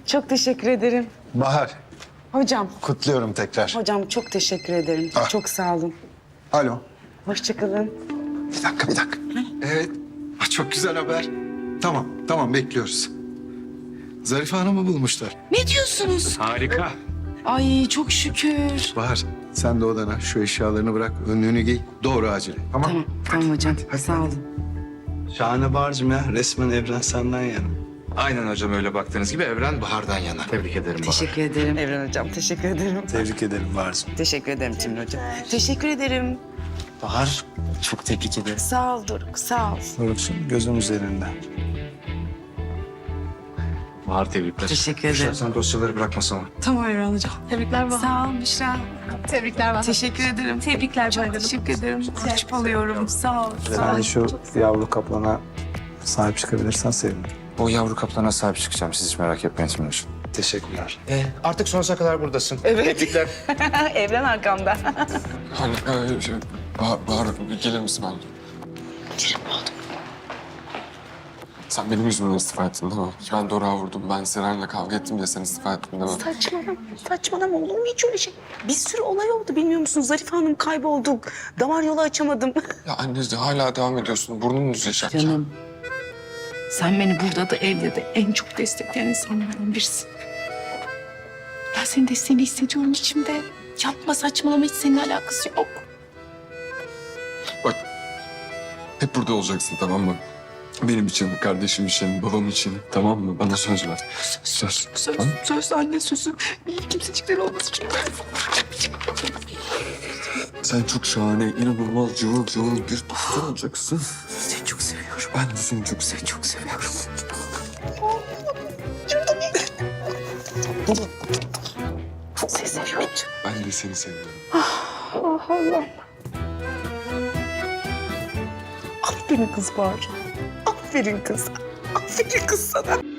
Çok teşekkür ederim. Bahar, Hocam, kutluyorum tekrar. hocam çok teşekkür ederim. Ah. Çok sağ olun. Alo. Hoşça kalın. Bir dakika. Evet. Çok güzel haber. Tamam bekliyoruz. Zarife Hanım'ı bulmuşlar. Ne diyorsunuz? Harika. Ay çok şükür. Bahar, sen de odana şu eşyalarını bırak, önlüğünü giy. Doğru acele. Tamam. Tamam hocam. Sağ olun. Şahane Bahar'cığım ya. Resmen evren senden yana. Aynen hocam, öyle baktığınız gibi evren Bahar'dan yana. Tebrik ederim Bahar. Teşekkür ederim. Evren hocam teşekkür ederim. Tebrik ederim Bahar'cığım. Teşekkür ederim Timur hocam. Teşekkür ederim. Bahar, çok tebrik ederim. Sağ ol Doruk, sağ ol. Doruk'cum gözüm üzerinde. Bahar, tebrikler. Teşekkür ederim. Sen dosyaları bırakma sana. Tamam Evren hocam. Tebrikler Bahar. Sağ ol Büşra. Tebrikler Bahar. Teşekkür ederim. Tebrikler Çok Bahar. teşekkür ederim. Hoş alıyorum. Sağ ol. Yani şu yavru kaplana sahip çıkabilirsen sevinirim. O yavru kaplana sahip çıkacağım. Siz hiç merak etmeyin Timur hocam. Teşekkürler. Artık sonsuza kadar buradasın. Evet. Tebrikler. Evren arkamda. Hani Bahar gelir misin ben? Kerim ne oldu? Sen benim yüzümden istifa ettin değil mi? Ben Doruk'a vurdum, ben Seren'le kavga ettim diye sen istifa ettin değil mi? Saçmalama olur mu hiç öyle şey? Bir sürü olay oldu bilmiyor musun? Zarife Hanım kayboldu. Damar yolu açamadım. Ya anne hala devam ediyorsun, burnun uzayacak ya. Canım, sen beni burada da evde de en çok destekleyen insanlardan birisin. Ben senin desteğini hissediyorum içimde. Yapma, saçmalama, hiç seninle alakası yok. Bak, hep burada olacaksın tamam mı? Benim için, kardeşim için, babam için tamam mı? Bana söz ver. Söz. Söz anne sözü. Kimsecikler olmasın çünkü. Sen çok şahane, inanılmaz, cıvıl bir dostum olacaksın. Seni çok seviyorum. Ben de seni çok seviyorum. Çok seviyorum. Seni seviyorum. Ben de seni seviyorum. Aferin kız var. Aferin kız. Aferin kız sana.